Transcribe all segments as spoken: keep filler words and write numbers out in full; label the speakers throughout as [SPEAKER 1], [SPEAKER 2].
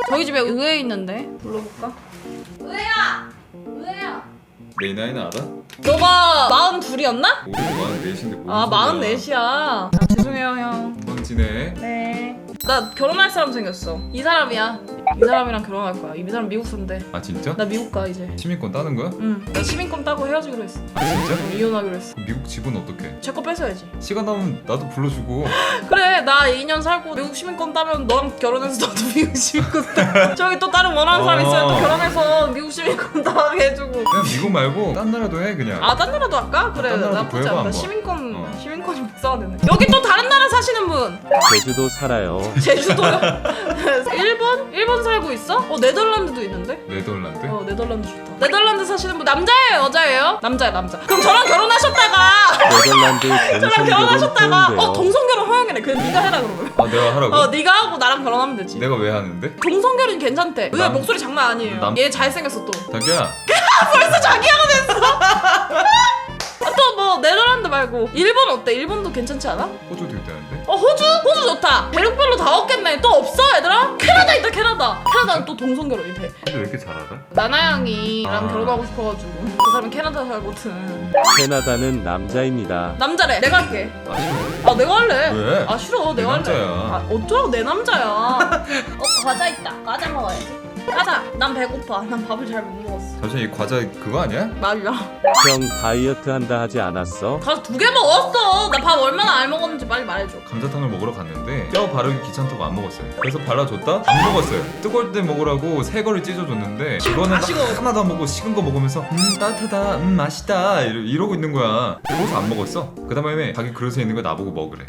[SPEAKER 1] 저희 집에 의회 있는데 불러볼까? 의회야! 의회야!
[SPEAKER 2] 내 나이는 알아?
[SPEAKER 1] 너가 마흔둘이었나?
[SPEAKER 2] 우리 마흔넷인데 뭔
[SPEAKER 1] 아
[SPEAKER 2] 소리야.
[SPEAKER 1] 마흔넷이야. 아, 죄송해요 형.
[SPEAKER 2] 금방 지내.
[SPEAKER 1] 네. 나 결혼할 사람 생겼어. 이 사람이야. 이 사람이랑 결혼할 거야. 이 사람 미국 산대.
[SPEAKER 2] 아 진짜?
[SPEAKER 1] 나 미국 가 이제.
[SPEAKER 2] 시민권 따는 거야?
[SPEAKER 1] 응. 나 시민권 따고 헤어지기로 했어.
[SPEAKER 2] 아 진짜?
[SPEAKER 1] 어, 이혼하기로 했어.
[SPEAKER 2] 그럼 미국 집은 어떡해?
[SPEAKER 1] 제 거 뺏어야지.
[SPEAKER 2] 시간 나면 나도 불러주고.
[SPEAKER 1] 그래 나 이 년 살고 미국 시민권 따면 너랑 결혼해서 너도 미국 시민권 따. 저기 또 다른 원하는 사람 있어요. 또
[SPEAKER 2] 어.
[SPEAKER 1] 결혼해서 미국 시민권 따게 해주고.
[SPEAKER 2] 그냥 미국 말고 딴 나라도 해 그냥.
[SPEAKER 1] 아 딴 나라도 할까? 그래
[SPEAKER 2] 딴 나라도
[SPEAKER 1] 나쁘지
[SPEAKER 2] 구해봐,
[SPEAKER 1] 않다.
[SPEAKER 2] 한번.
[SPEAKER 1] 시민권
[SPEAKER 2] 어.
[SPEAKER 1] 시민권이 복사되네. 여기 또 다른 나라 사시는 분.
[SPEAKER 3] 제주도 살아요.
[SPEAKER 1] 제주도요? 일본? 일본 살고 있어? 어 네덜란드도 있는데?
[SPEAKER 2] 네덜란드?
[SPEAKER 1] 어 네덜란드 좋다. 네덜란드 사시는 분 남자예요 여자예요? 남자야 남자. 그럼 저랑 결혼하셨다가
[SPEAKER 3] 네덜란드
[SPEAKER 1] 저랑
[SPEAKER 3] 동성결혼
[SPEAKER 1] 결혼하셨다가
[SPEAKER 3] 허용돼요.
[SPEAKER 1] 어 동성결혼 허용이네. 그럼 네가 해라 그러면.
[SPEAKER 2] 아 내가 하라고?
[SPEAKER 1] 어 네가 하고 나랑 결혼하면 되지.
[SPEAKER 2] 내가 왜 하는데?
[SPEAKER 1] 동성결혼 괜찮대. 왜
[SPEAKER 2] 남-
[SPEAKER 1] 목소리 장난 아니에요.
[SPEAKER 2] 남-
[SPEAKER 1] 얘 잘생겼어 또.
[SPEAKER 2] 자기야
[SPEAKER 1] 벌써 자기야가 됐어. 또 뭐 네덜란드 말고 일본 어때? 일본도 괜찮지 않아?
[SPEAKER 2] 호주도 있다는데?
[SPEAKER 1] 어 호주? 호주 좋다. 대륙별로 다 없겠네. 또 없어 얘들아? 캐나다 있다 캐나다. 캐나다는 또 동성결혼이 돼.
[SPEAKER 2] 근데 왜 이렇게 잘 알아?
[SPEAKER 1] 나나양이랑
[SPEAKER 2] 아.
[SPEAKER 1] 결혼하고 싶어가지고 그 사람 캐나다 살거든.
[SPEAKER 3] 캐나다는 남자입니다.
[SPEAKER 1] 남자래. 내가 할게.
[SPEAKER 2] 아 싫어.
[SPEAKER 1] 아 내가 할래.
[SPEAKER 2] 왜?
[SPEAKER 1] 아 싫어.
[SPEAKER 2] 내
[SPEAKER 1] 내가 할래.
[SPEAKER 2] 남자야.
[SPEAKER 1] 아 어쩌라고 내 남자야. 어 과자 있다. 과자 먹어야지. 과자. 난 배고파. 난 밥을 잘 못 먹었어.
[SPEAKER 2] 잠시만 이 과자 그거 아니야?
[SPEAKER 1] 말이야.
[SPEAKER 3] 형 다이어트 한다 하지 않았어?
[SPEAKER 1] 과자 두 개 먹었어. 나 밥 얼마나 안 먹었는지 빨리 말해줘.
[SPEAKER 2] 감자탕을 먹으러 갔는데 뼈 바르기 귀찮다고 안 먹었어요. 그래서 발라줬다? 안 먹었어요. 뜨거울 때 먹으라고 새 거를 찢어줬는데 이거는
[SPEAKER 1] 다 식어.
[SPEAKER 2] 하나도 안 먹고 식은 거 먹으면서 음 따뜻하다 음 맛있다 이러, 이러고 있는 거야. 그래서 안 먹었어. 그 다음에 자기 그릇에 있는 거 나보고 먹으래.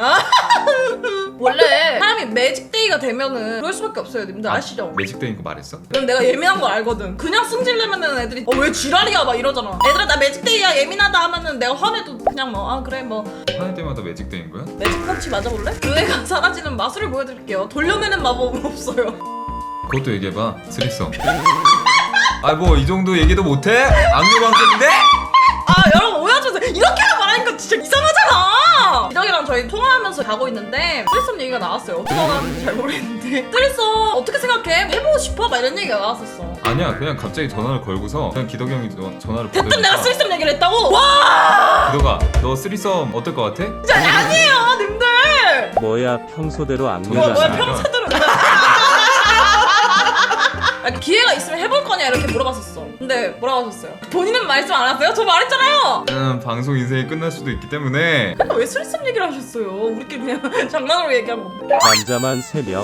[SPEAKER 1] 원래 사람이 매직데이가 되면은 그럴 수밖에 없어요. 님들 아시죠?
[SPEAKER 2] 매직데이인 거 말했어?
[SPEAKER 1] 그럼 내가 예민한 거 알거든. 그냥 승질내면은 애들이 어 왜 지랄이야 막 이러잖아. 얘들아 나 매직데이야 예민하다 하면은 내가 화내도 그냥 뭐 아 그래 뭐
[SPEAKER 2] 화낼 때마다 매직데이인 거야?
[SPEAKER 1] 매직 펀치 맞아볼래? 그 애가 사라지는 마술을 보여드릴게요. 돌려내는 마법은 없어요.
[SPEAKER 2] 그것도 얘기해봐. 스리썸. 아 뭐 이 정도 얘기도 못해? 악녀방송인데?
[SPEAKER 1] 아 여러분 오해하셔서 이렇게만 말하니까 진짜 이상하잖아. 기덕이랑 저희 통화하면서 가고 있는데 쓰리썸 얘기가 나왔어요. 어떻게 나왔는지 잘 모르겠는데 쓰리썸 어떻게 생각해? 해보고 싶어? 막 이런 얘기가 나왔었어.
[SPEAKER 2] 아니야 그냥 갑자기 전화를 걸고서 그냥 기덕이 형이 저- 전화를
[SPEAKER 1] 대뜸
[SPEAKER 2] 받으니까
[SPEAKER 1] 내가 쓰리썸 얘기를 했다고? 와
[SPEAKER 2] 기덕아 너 쓰리썸 어떨 것 같아?
[SPEAKER 1] 진짜 아니에요 님들.
[SPEAKER 3] 뭐야 평소대로 안
[SPEAKER 1] 뭐야 뭐야
[SPEAKER 3] 되잖아.
[SPEAKER 1] 평소대로 아, 기회가 있으면 해볼 거냐 이렇게 물어봤었어. 근데 뭐라고 하셨어요? 본인은 말씀 안 하세요? 저 말했잖아요.
[SPEAKER 2] 음, 방송 인생이 끝날 수도 있기 때문에
[SPEAKER 1] 근데 왜 쓰리썸 얘기를 하셨어요? 우리끼리 그냥 장난으로 얘기한 건데.
[SPEAKER 3] 남자만 세 명.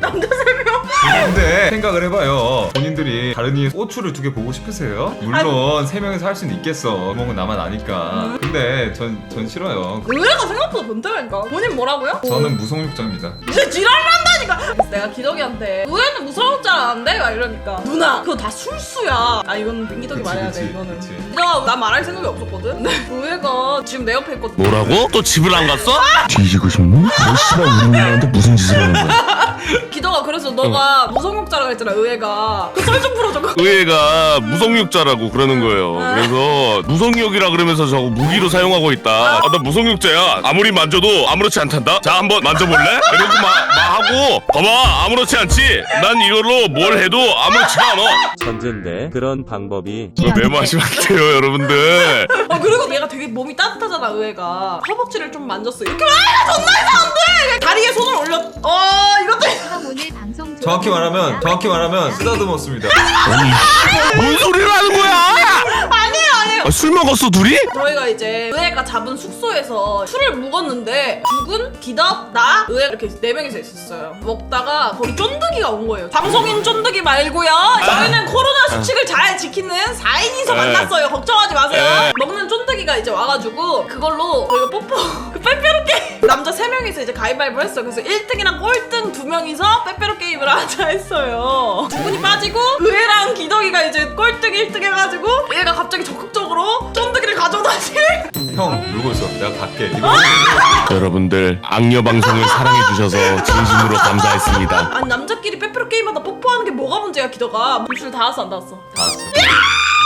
[SPEAKER 2] 근데 생각을 해봐요. 본인들이 다른 이의 꼬추를 두 개 보고 싶으세요? 물론 세 명이서 할 수는 있겠어. 구멍은 나만 아니까. 근데 전, 전 싫어요.
[SPEAKER 1] 의외가 생각보다 변태라니까. 본인 뭐라고요?
[SPEAKER 2] 저는 무성육자입니다.
[SPEAKER 1] 이제 지랄을 한다니까. 그래서 내가 기덕이한테 의외는 무서울 줄 알았는데 막 이러니까 누나 그거 다 술수야. 아 이건 민기덕이
[SPEAKER 2] 그치,
[SPEAKER 1] 말해야
[SPEAKER 2] 그치,
[SPEAKER 1] 돼 이거는.
[SPEAKER 2] 그치.
[SPEAKER 1] 기덕아 나 말할 생각이 없었거든. 근데 의외가 지금 내 옆에 있거든.
[SPEAKER 4] 뭐라고? 또 집을 안 갔어?
[SPEAKER 5] 뒤지고 싶니? 너 씨발 우리 누나한테 무슨 짓을 하는 거야?
[SPEAKER 1] 기덕아 그래서 너가 무성욕자라고 했잖아 의외가. 그 썰 좀 풀어줘.
[SPEAKER 4] 의회가 무성육자라고 그러는 거예요. 그래서 무성육이라 그러면서 저거 무기로 사용하고 있다. 아, 나 무성육자야. 아무리 만져도 아무렇지 않단다. 자 한번 만져볼래? 이러고 막, 막 하고 봐봐 아무렇지 않지? 난 이걸로 뭘 해도 아무렇지가 않아.
[SPEAKER 3] 천재인데 그런 방법이
[SPEAKER 4] 그거 메모하시면 안 돼요 여러분들.
[SPEAKER 1] 어 그리고 얘가 되게 몸이 따뜻하잖아 의외가. 허벅지를 좀 만졌어. 이렇게 말해 존나 이상한데. 다리에 손을 올려. 어 이것도
[SPEAKER 6] 오늘 방송
[SPEAKER 2] 정확히 말하면 정확히 말하면 쓰다듬었습니다.
[SPEAKER 4] 뭔 소리를 하는 거야?
[SPEAKER 1] 아니에요 아니에요.
[SPEAKER 4] 아, 술 먹었어 둘이?
[SPEAKER 1] 저희가 이제 의외가 잡은 숙소에서 술을 묵었는데 죽은 기덕 나 의외 이렇게 네 명이서 있었어요. 먹다가 거기 쫀득이가 온 거예요. 방송인 쫀득이 말고요. 저희는 코로나 수칙을 잘 지키는 사 인이서
[SPEAKER 4] 에.
[SPEAKER 1] 만났어요. 걱정하지 마세요.
[SPEAKER 4] 에.
[SPEAKER 1] 먹는 쫀득이가 이제 와가지고 그걸로 저희가 뽀뽀 그 빼빼로 게임 남자 세 명이서 이제 가위바위보 했어요. 그래서 일 등이랑 꼴등 두 명이서 빼빼로 게임을 하자 했어요. 두 분이 빠지고 의외랑 기덕이가 이제 꼴등 일 등 해가지고 얘가 갑자기 적극적으로 쫀득이를 가져다니.
[SPEAKER 2] 형 울고 있어. 내가 갈게. 이거
[SPEAKER 4] 여러분들 악녀 방송을 사랑해 주셔서 진심으로 감사했습니다.
[SPEAKER 1] 아니 남자끼리 빼빼로 게임하다 뽀뽀하는 게 뭐가 문제야 기덕아. 입술 닿았어 안 닿았어?
[SPEAKER 2] 다 왔어.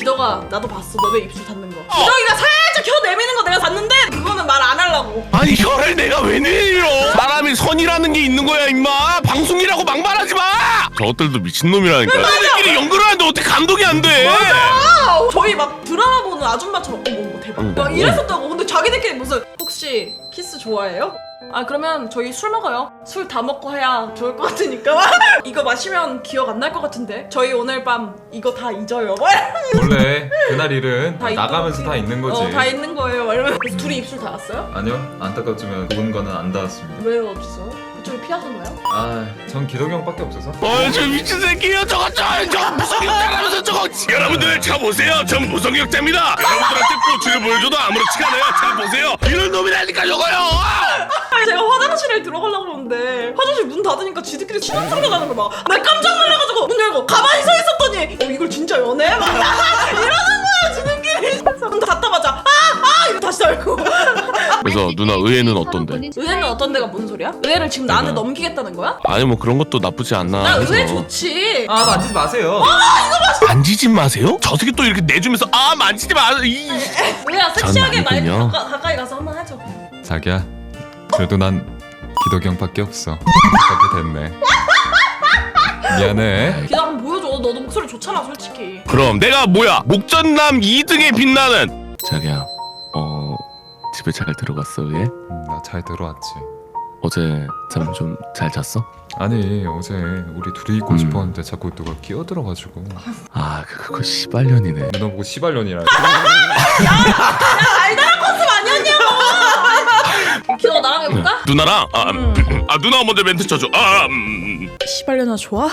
[SPEAKER 1] 기덕아 나도 봤어 너네 입술 닿는 거. 기덕이가 살짝 혀 내미는 거 내가 봤는데 그거는 말 안 하려고.
[SPEAKER 4] 아니 혀를 내가 왜 내밀어? 사람이 선이라는 게 있는 거야 임마. 방송이라고 막말하지 마. 저것들도 미친놈이라니까. 너네들끼리 연구를 하는데 어떻게 감독이 안 돼?
[SPEAKER 1] 아, 저희 막 드라마 보는 아줌마처럼 어머 대박
[SPEAKER 4] 응.
[SPEAKER 1] 막 이랬었다고. 근데 자기들끼리 무슨 혹시 키스 좋아해요? 아 그러면 저희 술 먹어요. 술 다 먹고 해야 좋을 것 같으니까. 이거 마시면 기억 안 날 것 같은데 저희 오늘 밤 이거 다 잊어요.
[SPEAKER 2] 원래 그날 일은
[SPEAKER 1] 다
[SPEAKER 2] 나가면서
[SPEAKER 1] 있던
[SPEAKER 2] 다 있는 거지.
[SPEAKER 1] 어, 다 있는 거예요. 이러면 그래서 둘이 입술 닿았어요?
[SPEAKER 2] 아니요, 안타깝지만 누군가는 안 닿았습니다.
[SPEAKER 1] 왜요 없어? 그쪽이 피하셨나요?
[SPEAKER 2] 아, 전 기덕이 형밖에 없어서.
[SPEAKER 4] 어이 저 미친 새끼야 저거 저, 저 무성역자라면서 저거. 여러분들 차 보세요. 전 무성역자입니다. 여러분들한테 꼬치를 보여줘도 아무렇지가 않아요. 차 보세요. 이런 놈이라니까 저거요.
[SPEAKER 1] 아니 제가 화장실에 들어가려고 그러는데 화장실 문 닫으니까 지들끼리 신혼상가 가는 거 막. 나 깜짝 놀라가지고 문 열고 가만히 서 있었더니 어 이걸 진짜 연애? 막 이러는 거야 지들끼리. 문 닫자마자 아아 이거 다시 닫고.
[SPEAKER 4] 그래서 누나 의외는 어떤데?
[SPEAKER 1] 의외는 어떤 데가 뭔 소리야? 의외를 지금 나한테 넘기겠다는 거야?
[SPEAKER 4] 아니 뭐 그런 것도 나쁘지 않나.
[SPEAKER 1] 나
[SPEAKER 4] 해서.
[SPEAKER 1] 의외 좋지.
[SPEAKER 2] 아, 만지지 마세요.
[SPEAKER 4] 만지지 마세요? 저 새끼 또 이렇게 내주면서 아 만지지 마. 이.
[SPEAKER 1] 의외야 섹시하게 말
[SPEAKER 4] 아니군요.
[SPEAKER 1] 가까, 가까이 가서 한번 하죠.
[SPEAKER 2] 자기야, 그래도 난 기덕이 형밖에 없어. 그렇게 됐네. 미안해.
[SPEAKER 1] 기다 한번 보여줘. 너도 목소리 좋잖아 솔직히.
[SPEAKER 4] 그럼 내가 뭐야? 목전남 이 등에 빛나는. 자기야, 어 집에 잘 들어갔어 왜?
[SPEAKER 2] 음, 나 잘 들어왔지.
[SPEAKER 4] 어제 잠 좀 잘 잤어?
[SPEAKER 2] 아니, 어제 우리 둘이 있고
[SPEAKER 4] 음.
[SPEAKER 2] 싶었는데 자꾸 누가 끼어들어가지고
[SPEAKER 4] 아 그거 씨발년이네.
[SPEAKER 2] 누나 보고 시발년이라.
[SPEAKER 1] 알다란 컨셉 아니었냐고. 기다려 나랑 해볼까?
[SPEAKER 4] 누나랑 아, 음. 아 누나가 먼저 멘트 쳐줘. 아 음.
[SPEAKER 1] 시발려나 좋아?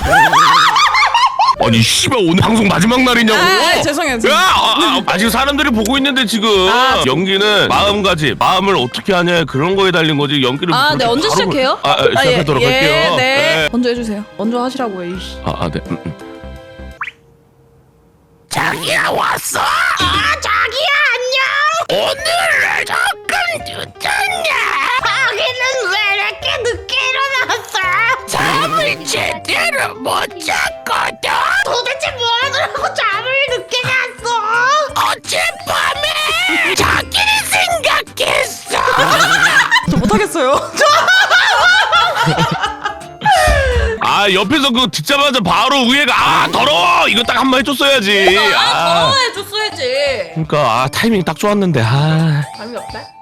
[SPEAKER 4] 아니 씨발 오늘 방송 마지막 날이냐고.
[SPEAKER 1] 아, 죄송해요.
[SPEAKER 4] 야, 아, 아, 아직 사람들이 보고 있는데 지금
[SPEAKER 1] 아,
[SPEAKER 4] 연기는 마음가짐, 마음을 어떻게 하냐 그런 거에 달린 거지. 연기를
[SPEAKER 1] 아,
[SPEAKER 4] 그렇게
[SPEAKER 1] 네 언제
[SPEAKER 4] 바로-
[SPEAKER 1] 시작해요?
[SPEAKER 4] 아, 아, 시작하도록
[SPEAKER 1] 예,
[SPEAKER 4] 할게요.
[SPEAKER 1] 예, 네.
[SPEAKER 4] 네.
[SPEAKER 1] 먼저 해주세요. 먼저 하시라고 해. 이씨.
[SPEAKER 4] 아, 아, 네. 음, 음. 자기야 왔어.
[SPEAKER 6] 아, 자기야 안녕.
[SPEAKER 4] 오늘은 조금 늦었냐?
[SPEAKER 6] 자기는 왜 이렇게 늦게 일어났어?
[SPEAKER 4] 잠을 제대로 못 잤거든.
[SPEAKER 6] 도대체 뭐 하느라고 잠을 늦게 잤어?
[SPEAKER 4] 어젯밤에 자기를 생각했어.
[SPEAKER 1] 저 못하겠어요.
[SPEAKER 4] 아 옆에서 그거 듣자마자 바로 우애가 아 더러워 이거 딱 한 번 해줬어야지.
[SPEAKER 1] 아, 더러워 해줬어야지.
[SPEAKER 4] 그러니까 아 타이밍 딱 좋았는데 아.
[SPEAKER 1] 감이 없대?